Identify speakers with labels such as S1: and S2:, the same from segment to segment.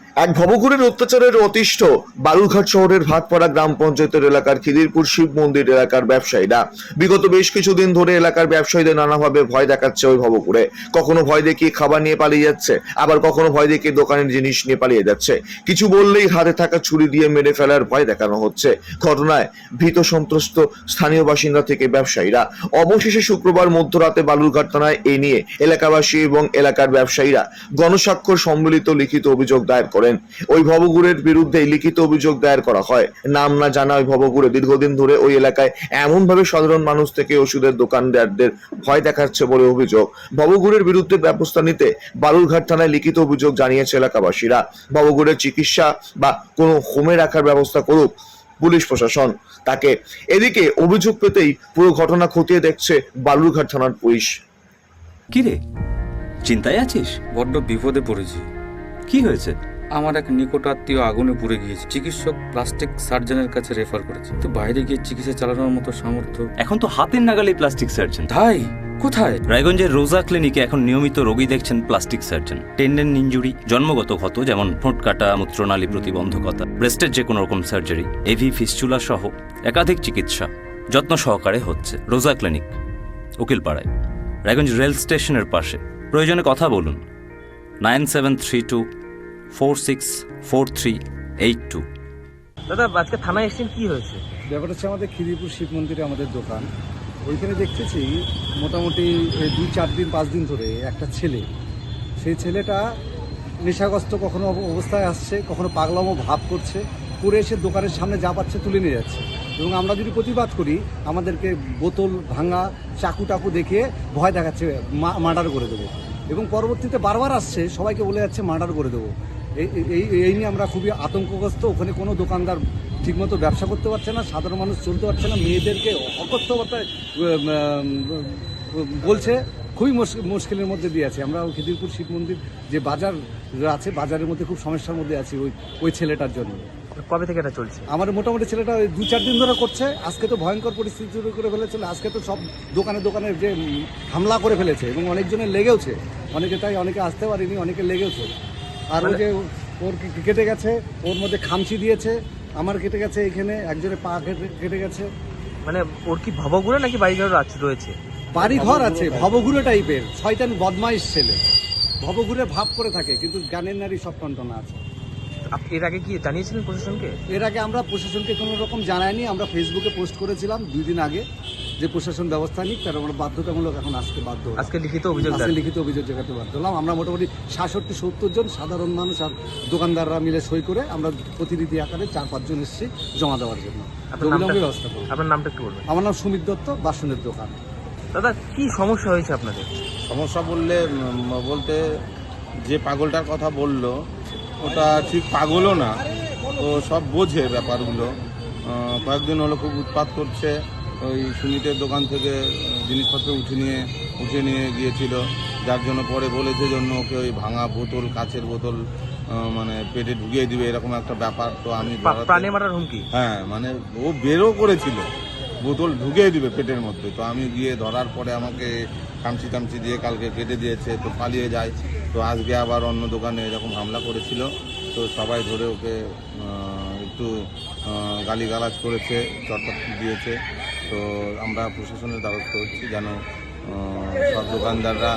S1: এক ভবঘুরের অত্যাচারের অতিষ্ঠ বালুরঘাট শহরের ভাতপাড়া গ্রাম পঞ্চায়েতের এলাকার খিদিরপুর শিব মন্দির এলাকার ব্যবসায়ীরা বিগত বেশ কিছুদিন ধরে এলাকার ব্যবসায়ীদের নানাভাবে ভয় দেখাচ্ছে ওই ভবঘুরে। কখনো ভয় দেখিয়ে খাবার নিয়ে পালিয়ে যাচ্ছে, আবার কখনো ভয় দেখিয়ে দোকানের জিনিস নিয়ে পালিয়ে যাচ্ছে। কিছু বললেই হাতে থাকা ছুরি দিয়ে মেরে ফেলার ভয় দেখানো হচ্ছে। ঘটনায় ভীত সন্ত্রস্ত স্থানীয় বাসিন্দা থেকে ব্যবসায়ীরা। অবশেষে শুক্রবার মধ্যরাতে বালুরঘাট থানায় এই নিয়ে এলাকাবাসী এবং এলাকার ব্যবসায়ীরা গণস্বাক্ষর সম্মিলিত লিখিত অভিযোগ দায়ের করেন। ওই ভবঘুরের বিরুদ্ধে লিখিত অভিযোগ দায়ের করা হয়। নাম না জানা ওই ভবঘুরে দীর্ঘদিন ধরে ওই এলাকায় এমন ভাবে সাধারণ মানুষ থেকে ওষুধের দোকানদারদের ভয় দেখাচ্ছে বলে অভিযোগ। ভবঘুরের বিরুদ্ধে ব্যবস্থা নিতে বালুরঘাট থানায় লিখিত অভিযোগ জানিয়েছে এলাকাবাসীরা। ভবঘুরের চিকিৎসা বা কোনো হোমে রাখার ব্যবস্থা করুক পুলিশ প্রশাসন তাকে। এদিকে অভিযোগ পেতেই পুরো ঘটনা খতিয়ে দেখছে বালুরঘাট থানার পুলিশ।
S2: কি রে, চিন্তায় আছিস?
S3: বড্ড বিপদে পড়েছি।
S2: কি হয়েছে?
S3: আমার এক নিকট আত্মীয় আগুনে পুড়ে গিয়েছে। চিকিৎসক প্লাস্টিক সার্জনের কাছে রেফার করেছে, তো বাইরে গিয়ে চিকিৎসা চালানোর মতো সামর্থ্য
S2: এখন তো হাতের নাগালে প্লাস্টিক সার্জন।
S3: তাই কোথায়?
S2: রায়গঞ্জের রোজা ক্লিনিকে এখন নিয়মিত রোগী দেখছেন প্লাস্টিক সার্জন। টেন্ডেন ইনজুরি, জন্মগত ক্ষত যেমন ঠোঁট কাটা, মূত্রনালী প্রতিবন্ধকতা, ব্রেস্টের যে কোনো রকম সার্জারি, এভি ফিস্চুলা সহ একাধিক চিকিৎসা যত্ন সহকারে হচ্ছে রোজা ক্লিনিক, উকিলপাড়ায়, রায়গঞ্জ রেল স্টেশনের পাশে। প্রয়োজনে কথা বলুন 9732464382।
S4: দাদা, আজকে থানায় এসেছেন, কি হয়েছে?
S5: ব্যাপারটা হচ্ছে আমাদের খিদিরপুর শিব মন্দিরে আমাদের দোকান। ওইখানে দেখতেছি মোটামুটি 2-4 দিন 5 দিন ধরে একটা ছেলে, সেই ছেলেটা নেশাগ্রস্ত কখনো অবস্থায় আসছে, কখনো পাগলামো ভাব করছে, করে এসে দোকানের সামনে যা পাচ্ছে তুলে নিয়ে যাচ্ছে। এবং আমরা যদি প্রতিবাদ করি আমাদেরকে বোতল ভাঙা, চাকু টাকু দেখিয়ে ভয় দেখাচ্ছে মার্ডার করে দেবো। এবং পরবর্তীতে বারবার আসছে, সবাইকে বলে যাচ্ছে মার্ডার করে দেবো। এই নিয়ে আমরা খুবই আতঙ্কগ্রস্ত। ওখানে কোনো দোকানদার ঠিকমতো ব্যবসা করতে পারছে না, সাধারণ মানুষ চলতে পারছে না, মেয়েদেরকে অকথ্যবার্তায় বলছে। খুবই মুশকিলের মধ্যে দিয়ে আছে। আমরা খিদিরপুর শিব মন্দির যে বাজার আছে, বাজারের মধ্যে খুব সমস্যার মধ্যে আছি ওই ছেলেটার জন্য।
S4: কবে থেকে এটা চলছে?
S5: আমার মোটামুটি ছেলেটা 2-4 দিন ধরে করছে। আজকে তো ভয়ঙ্কর পরিস্থিতি শুরু করে ফেলেছিল। আজকে তো সব দোকানে যে হামলা করে ফেলেছে এবং অনেকজনের লেগেওছে, অনেকে তাই অনেকে আসতে পারেনি, অনেকে লেগেওছে। আর ওই যে ওর কেটে গেছে, ওর মধ্যে খামচি দিয়েছে, আমার কেটে গেছে, এখানে একজনের পা কেটে গেছে।
S4: মানে ওর কি ভবঘুরে নাকি বাড়িঘর রয়েছে?
S5: বাড়ি ঘর আছে, ভবঘুরে টাইপের শয়তান বদমাইশ ছেলে, ভবঘুরে ভাব করে থাকে, কিন্তু জ্ঞানের নারী সব টনটনা আছে।
S4: এর আগে কি জানিয়েছিলেন প্রশাসনকে?
S5: এর আগে আমরা প্রশাসনকে কোনো রকম জানাইনি। আমরা ফেসবুকে পোস্ট করেছিলাম 2 দিন আগে যে প্রশাসন ব্যবস্থা নিক, তার আমরা বাধ্যতামূলক এখন আসতে বাধ্য হলাম।
S4: আজকে লিখিত অভিযোগ
S5: জানাতে বাধ্য হলাম। আমরা মোটামুটি 66-70 জন সাধারণ মানুষ আর দোকানদাররা মিলে সই করে আমরা প্রতিনিধি আকারে 4-5 জন এসেছি জমা দেওয়ার জন্য। ব্যবস্থা করব।
S4: আপনার নামটা একটু বলবেন?
S5: আমার নাম সুমিত দত্ত, বাসনের দোকান।
S4: দাদা, কি সমস্যা হয়েছে আপনাদের?
S6: সমস্যা বলতে যে পাগলটার কথা বললো ওটা ঠিক পাগলও না, তো সব বোঝে ব্যাপারগুলো। কয়েকদিন হলো খুব উৎপাত করছে। ওই সুমিতের দোকান থেকে জিনিসপত্র উঠে নিয়ে গিয়েছিল, যার জন্য পরে বলেছে জন্য ওকে ওই ভাঙা বোতল, কাচের বোতল মানে পেটে ঢুকিয়ে দিবে, এরকম একটা ব্যাপার। তো আমি
S4: প্রাণে মারার হুমকি?
S6: হ্যাঁ, মানে ও বেরও করেছিল, বোতল ঢুকিয়ে দিবে পেটের মধ্যে। তো আমি গিয়ে ধরার পরে আমাকে কামচি দিয়ে কালকে কেটে দিয়েছে, তো পালিয়ে যায়। তো আজকে আবার অন্য দোকানে এরকম হামলা করেছিল, তো সবাই ধরে ওকে একটু গালিগালাজ করেছে, চটপট দিয়েছে। তো আমরা প্রশাসনের দ্বারস্থ হচ্ছি যেন সব দোকানদাররা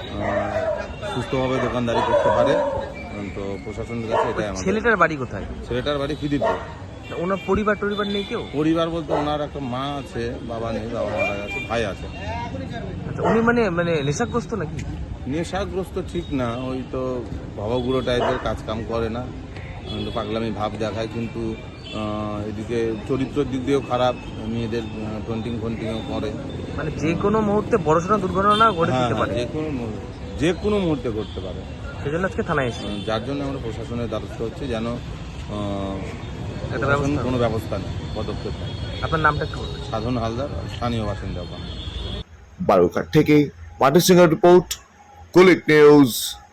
S6: সুস্থভাবে দোকানদারি করতে পারে। তো প্রশাসনের কাছে এটাই আমাদের।
S4: ছেলেটার বাড়ি কোথায়?
S6: ছেলেটার বাড়ি খিদিরপুর।
S4: ওনার পরিবার নেই কেউ?
S6: পরিবার বলতে ওনার একটা মা আছে, বাবা নেই, বাবা মারা গেছে, ভাই আছে।
S4: আচ্ছা, উনি মানে নেশাগ্রস্ত নাকি?
S6: নেশাগ্রস্ত ঠিক না, ওই তো ভবগুড়ো টাইপের, কাজকাম করে না, পাগলামি ভাব দেখায়, কিন্তু এদিকে চরিত্রের দিক দিয়েও খারাপ, মেয়েদের ফন্টিংও করে।
S4: মানে যে কোনো মুহূর্তে বড়সড় দুর্ঘটনা ঘটে যেতে পারে।
S6: যে কোনো মুহূর্তে ঘটতে পারে।
S4: সেজন্য আজকে থানায় এসেছি।
S6: যার জন্য আমরা প্রশাসনের দ্বারস্থ হচ্ছে যেন কোনো ব্যবস্থা নেই, পদক্ষেপ নেই।
S4: আপনার নামটা একটু বলবেন?
S6: সাধন হালদার, স্থানীয় বাসিন্দা।
S1: বালুরঘাট থেকে পার্টি সিংহের রিপোর্ট, কুলিক নিউজ।